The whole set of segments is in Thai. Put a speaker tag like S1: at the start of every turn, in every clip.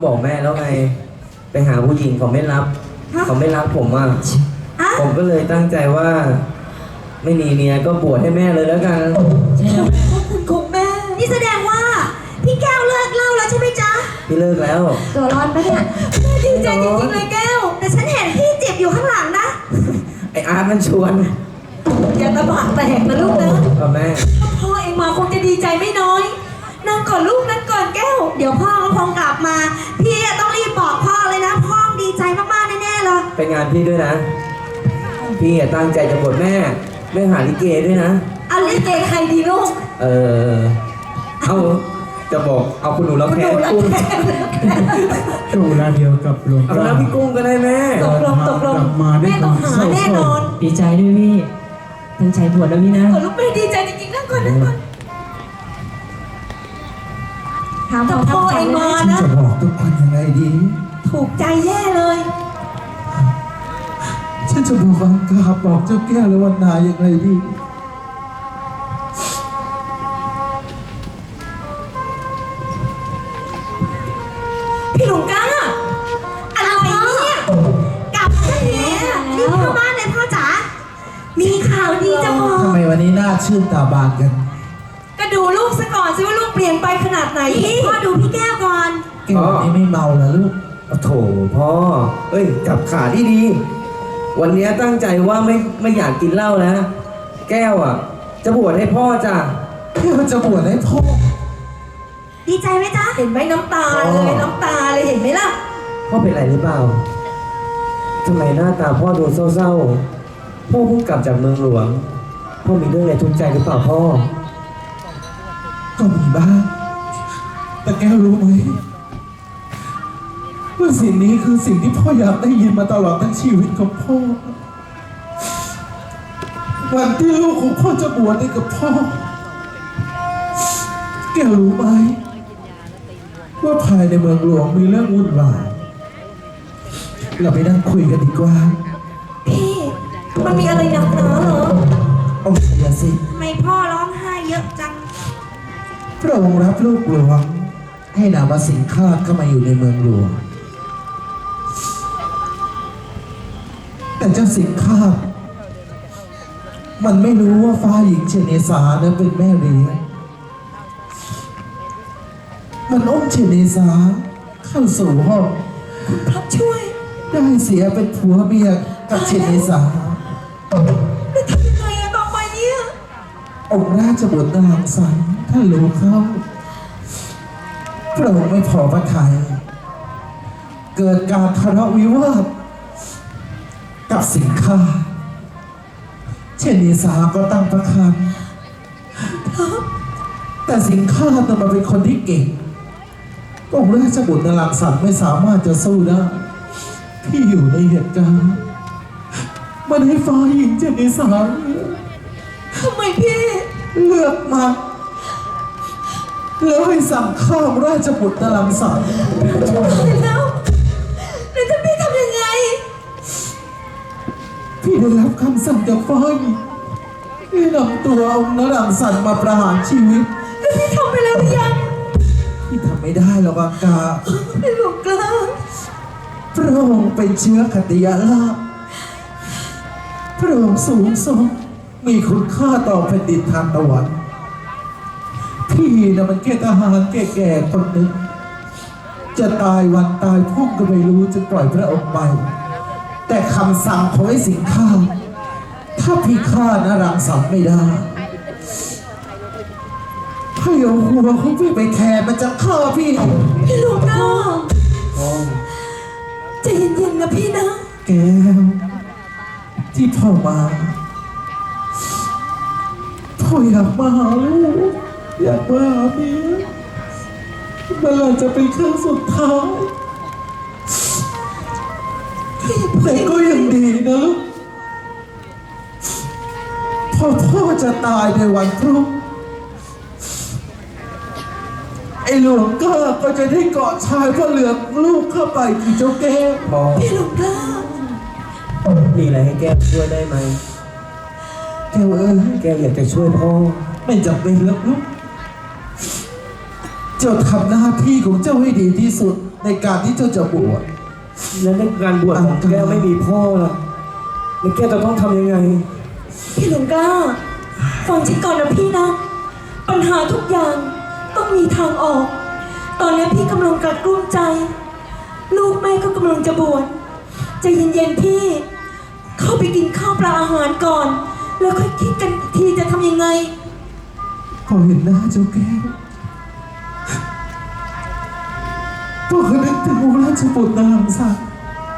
S1: บอกแม่แล้วไงไปหาผู้หญิงเขาไม่รับเขาไม่รักผมอ่ะผมก็เลยตั้งใจว่า ไม่มีเมียก็บวชให้แม่เลยแล้วกัน
S2: ใช่แล้วขอบคุณคุณแม่นี่แสดงว่าพี่แก้วเลิกเหล้าแล้วใช่ไหมจ๊ะ
S1: พี่เลิกแล้ว
S2: ตัวร้อนปะเนี่ยแม่ดีใจจริงๆเลยแก้วแต่ฉันเห็นพี่เจ็บอยู่ข้างหลังนะ
S1: ไออาร์ตมันชวน
S2: อย่าตะบะแตกนะลูกนะ
S1: แม่
S2: ถ้าพ่อเองมาคงจะดีใจไม่น้อยนั่งก่อนลูกนั่งก่อนแก้วเดี๋ยวพ่อก็คงกลับมาพี่ต้องรีบบอกพ่อเลยนะพ่อดีใจมากๆแน่ๆเลย
S1: ไปงานพี่ด้วยนะพี่ตั้งใจจะบวชแม่หาลิเกด้วยนะ
S2: เอาลิเกใครดีลูก
S1: เอาจะบอกเอาคุณหนูแล้วแค่กุ้ง
S3: โชว์ลาเดียวกับหลวง
S1: เอาแล้วพี่กุ้งก็ได้แม่
S2: ตกลงแม่ต้องหาแน่นอน
S3: ดีใจด้วยพี่ตั้งใจบวชแล้วพี่นะ
S2: ลูกไม่ดีใจจริงๆนั่งก่อนถามพ่อเองมานะ
S4: จะบอกทุกคนยังไงดี
S2: ถูกใจแย่เลย
S4: ฉันจะบอกอังกาบอกเจ้าแก้วและวันนาอย่างไรดี
S2: พี่หลวงก้าอะไรเนี่ยกลับมาแล้วรีบเข้าบ้านเลยพ่อจ๋ามีข่าวดีจะบอก
S4: ทำไมวันนี้หน้าชื่นตาบานกัน
S2: ก็ดูลูกซะก่อนสิว่าลูกเปลี่ยนไปขนาดไหนพ่อดูพี่แก้วก่อน
S4: แก้ววันนี้ไม่เมาเหรอลูก
S1: โถพ่อจับขาดีๆวันนี้ตั้งใจว่าไม่อยากกินเหล้าแล้วแก้วอ่ะจะบวชให้พ่อจ้ะ
S4: แก้วจะบวชให้พ่อ
S2: ดีใจไหมจ๊ะเห็นไหมน้ำตาเลยน้ำตาเลยเห็นไหมล่ะ
S1: พ่อเป็นไรหรือเปล่าทำไมหน้าตาพ่อดูเศร้าๆพ่อเพิ่งกลับจากเมืองหลวงพ่อมีเรื่องอะไรทุกข์ใจหรือเปล่าพ่อ
S4: ก็มีบ้างแต่แก้วรู้ไหมว่าสิ่งนี้คือสิ่งที่พ่ออยากได้ยินมาตลอดทั้งชีวิตของพ่อวันที่ลูกของพ่อจะบวชให้กับพ่อแก้วรู้ไหมว่าภายในเมืองหลวงมีเรื่องวุ่นวายเราไปนั่งคุยกันดีกว่า
S2: พี่มันมีอะไรหนักหนาเหรอ
S4: โอ้ยสิ
S2: ทำไมพ่อร้องไห้เยอะจัง
S4: พระองค์รับลูกหลวงให้นามสิงคาดเข้ามาอยู่ในเมืองหลวงแต่เจ้าสิงคาดมันไม่รู้ว่าฟ้าหญิงเชเนสานั้นเป็นแม่เลี้ยงมันอ้มเชเนสาเข้าสู่ห้อง
S2: พระช่วย
S4: ได้เสียเป็นผัวเมียกับเชเนสา
S2: จะทำยังไงต่อไปเนี่ย
S4: องค์ราชบุตรนางสันท่านรู้เขาพระองค์ไม่พอพระทัยเกิดการทะเลาะวิวาทกับสิงคาเชเนสาก็ตั้งพระคันแต่สิงคาต้องมาเป็นคนที่เก่งองค์ราชบุตรนางสันไม่สามารถจะสู้ได้พี่อยู่ในเหตุการณ์มันให้ฟ้าหญิงเจนิสา
S2: ทำไมพี่
S4: เลือกมาแล้วให้สั่งข้ามราชบุตรนางสัน
S2: แล้วจะพี่ทำยังไง
S4: พี่ได้รับคำสั่งจากฟ้าหญิงให้นำตัวองค์นางสันมาประหารชีวิต
S2: แล้วพี่ทำไปแล้วหรือยัง
S4: พี่ทำไม่ได้หรอกอังกา
S2: พี่หลวงกล้า
S4: พระองค์เป็นเชื้อขัตติยาลาภพระองค์สูงส่งมีคุณค่าต่อแผ่นดินทานตะวันพี่นะมันแค่ทหารแก่ๆคนหนึ่งจะตายวันตายพรุ่งก็ไม่รู้จะปล่อยพระองค์ไปแต่คำสั่งของไอ้สิงข้าถ้าพี่ฆ่านรังสรรค์ไม่ได้พี่เอาหัวของพี่ไปแทนมันจะฆ่าพี่
S2: หลวงพ่อใจเย็นๆนะพี่นะ
S4: แก้วที่พ่อมาพ่ออยากมาหาลูกอยากมาหาเมียมันอาจจะเป็นครั้งสุดท้ายแต่ก็ยังดีนะพอพ่อจะตายในวันพรุ่งไอ้หลวงก็จะได้กอดชายพ่อเหลืองลูกเข้าไปที่เจ้าแก้ว
S2: พี่หลวงพ่อ
S1: มีอะไรให้แก้วช่วยได้ไหม
S4: แก้ว
S1: แก้วอยากจะช่วยพ่อ
S4: ไม่จำเป็นแล้วลูก เจ้าทำหน้าที่ของเจ้าให้ดีที่สุดในการที่เจ้าจะบวช
S1: แล้วในการบวชของแก้วไม่มีพ่อล่ะแล้วแก้วจะต้องทำยังไง
S2: พี่หลวงกล้าฟังฉันก่อนนะพี่นะ ปัญหาทุกอย่างต้องมีทางออก ตอนนี้พี่กำลังกัดกลุ้มใจ ลูกแม่ก็กำลังจะบวชใจเย็นๆพี่ เข้าไปกินข้าวปลาอาหารก่อน แล้วค่อยคิดกันอีกทีจะทำยังไง
S4: พอเห็นหน้าเจ้าแก้วพ่อก็นึกถึงองค์ราชบุตรนรังสรรค์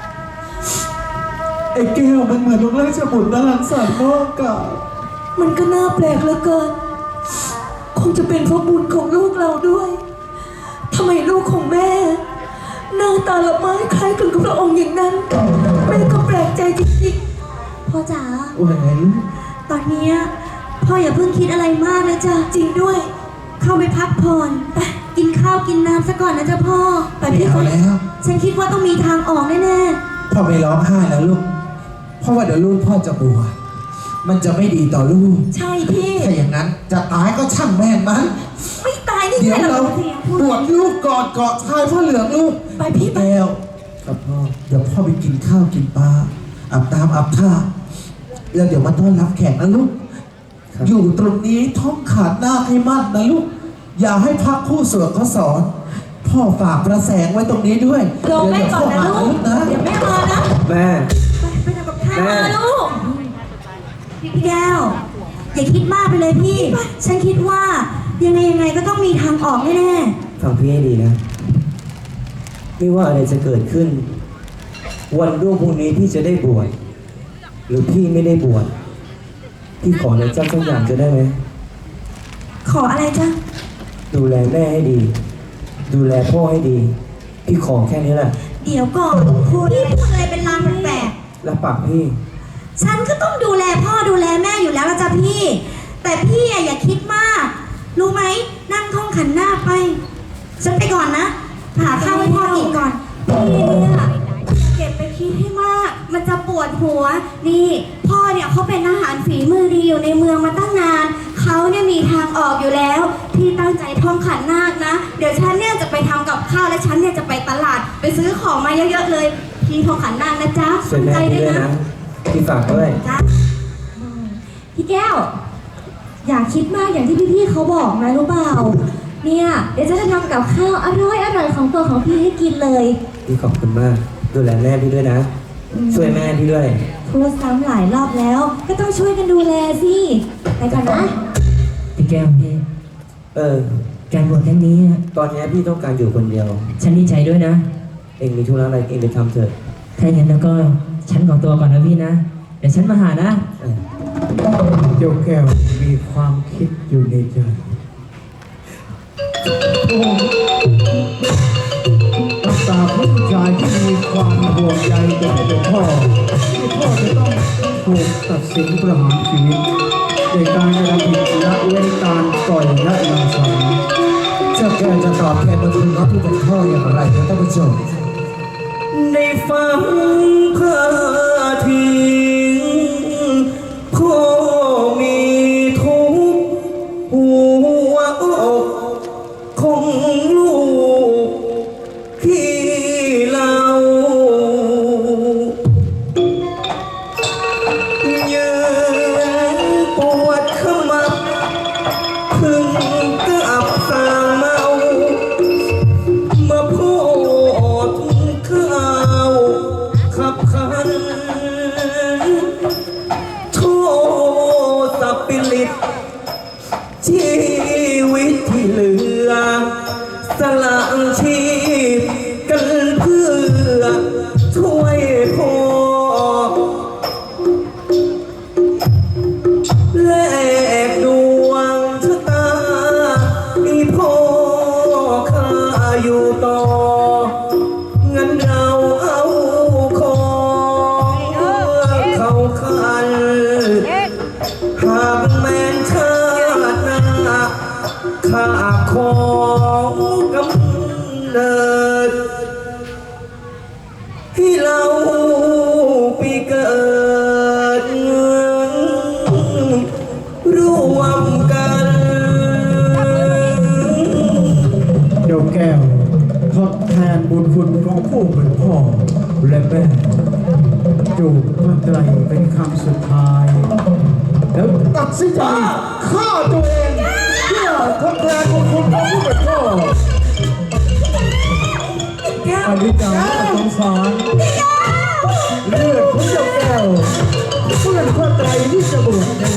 S4: ไอ้แก้วมันเหมือนองค์ราชบุตรนรังสรรค์นอกกาย
S2: มันก็น่าแปลกเหลือเกิน คงจะเป็นเพราะบุญของลูกเราด้วยทำไมลูกของแม่หน้าตาละไม้คล้ายกันกับพระองค์อย่างนั้น แม่ก็แปลกใจจริงๆพ่อจ๋า
S4: แหวน
S2: ตอนเนี้ยพ่ออย่าเพิ่งคิดอะไรมากนะจ๊ะจริงด้วย เข้าไปพักผ่อนไปกินข้าวกินน้ำซะก่อนนะจ๊ะพ่อไป
S4: ไม่
S2: พี่
S4: เอา
S2: ก่อน
S4: แล้ว
S2: ฉันคิดว่าต้องมีทางออกแน่
S4: พ่อไม่ร้องไห้แล้วลูกเพราะว่าเดี๋ยวลูกพ่อจะบวชมันจะไม่ดีต่อลูก
S2: ๆใช่พี่
S4: ถ้าอย่างนั้นจะตายก็ช่างแม่งมัน
S2: ไม่ตายนี่
S4: เดี๋
S2: ไง
S4: ยว
S2: เรา
S4: เราบวชลูกก่อนเกาะชายพ่อเหลืองลูก
S2: ไปพี่ไป
S4: แก้ว
S1: ครับพ่อ
S4: เดี๋ยวพ่อไปกินข้าวกินปลาอาบน้ำอาบท่าแล้วเดี๋ยวมาต้อนรับแขกนะลูก
S1: ครับ
S4: อยู่ตรงนี้ท่องขาดหน้าให้มั่นนะลูก อย่าให้พักคู่สวดเขาสอน พ่อฝากประแสงไว้ตรงนี้ด้วย
S2: รอแม่ก่อนนะ
S4: เดี๋ยว
S2: ลูก
S4: พ่อมานะ
S2: เดี๋ยวแม่มานะ
S1: แม่
S2: ไปทำกับข้าว
S1: แม่
S2: มาลูกพี่แก้วอย่าคิดมากไปเลยพี่ ฉันคิดว่ายังไงก็ต้องมีทางออกแน่
S1: ฟังพี่ให้ดีนะ ไม่ว่าอะไรจะเกิดขึ้น วันรุ่งพรุ่งนี้พี่จะได้บวชหรือพี่ไม่ได้บวชพี่ขออะไรเจ้าสักอย่างจะได้ไหม
S2: ๆขออะไรจ๊ะ
S1: ดูแลแม่ให้ดี ดูแลพ่อให้ดี พี่ขอแค่นี้แหละ
S2: เดี๋ยวก่อนพูดอะไรเป็นลางแปลก
S1: รับปากพี่
S2: ๆฉันก็ต้องดูแลพ่อดูแลแม่อยู่แล้วละจ้ะพี่ แต่พี่อะอย่าคิดมาก รู้ไหมนั่งท่องขันหน้าไป ฉันไปก่อนนะหาข้าวให้พ่อกินก่อนพี่เนี่ยเก็บไปคิดให้มาก มันจะปวดหัว นี่ พ่อเนี่ยเขาเป็นอาหารฝีมือดีอยู่ในเมืองมาตั้งนาน เขาเนี่ยมีทางออกอยู่แล้ว พี่ตั้งใจท่องขันนาคนะ เดี๋ยวฉันเนี่ยจะไปทำกับข้าวและฉันเนี่ยจะไปตลาด ไปซื้อของมาเยอะๆเลย พี่ท่องขันนาคนะจ๊ะ
S1: ส่วน
S2: ตั้ง
S1: แม่
S2: ใจ
S1: พี่
S2: ด้วย
S1: ด้วย
S2: นะ
S1: นะ พี่ฝากด้วย
S2: จ๊ะพี่แก้ว อย่าคิดมากอย่างที่พี่ๆเขาบอกนะรู้เปล่า เนี่ยเดี๋ยวจะทำกับข้าวอร่อยๆของตัวของพี่ให้กินเลย
S1: พี่ขอบคุณมาก ดูแลแม่พี่ด้วยนะ ช่วยแม่พี่ด้วย
S2: พูดซ้ำหลายรอบแล้ว ก็ต้องช่วยกันดูแลสิไปก่อนนะ
S3: พี่แก้วพี่
S1: เออ
S3: การบวชครั้งนี้อะ
S1: ตอนนี้พี่ต้องการอยู่คนเดียว
S3: ฉันดีใจด้วยนะ
S1: เองมีธุระอะไรเองไปทำเถอะ
S3: ถ้าอย่างนั้นแล้วก็ฉันขอตัวก่อนนะพี่นะ เดี๋ยวฉันมาหานะ
S1: เออ
S4: เจ้าแก้วมีความคิดอยู่ในใจรักษาผู้ชายที่มีความห่วงใยต่อพ่อที่พ่อจะต้องถูกตัดสินประหารชีวิตในการกระทำผิดละเว้นการปล่อยละวางสารเจ้าแก้วจะตอบแทนบุญคุณของผู้เป็นพ่ออย่างไรนะท่านผู้ชม
S1: ได้ฟังพาทีพ่อมีทุกข์หัวอกของลูกที่เรายืนปวดขมับพึ่งกับสางเมามาพูดข่าวขับขัน
S5: ผู้เป็นพ่อและแม่จูบพระไตรเป็นคำสุดท้าย แล้วตัดสินใจฆ่าตัวเองเพื่อทดแทนบุญคุณของผู้เป็นพ่ออนิจจาสงสารเลือดของเจ้าแก้วเพื่อนพระไตรที่จะบวช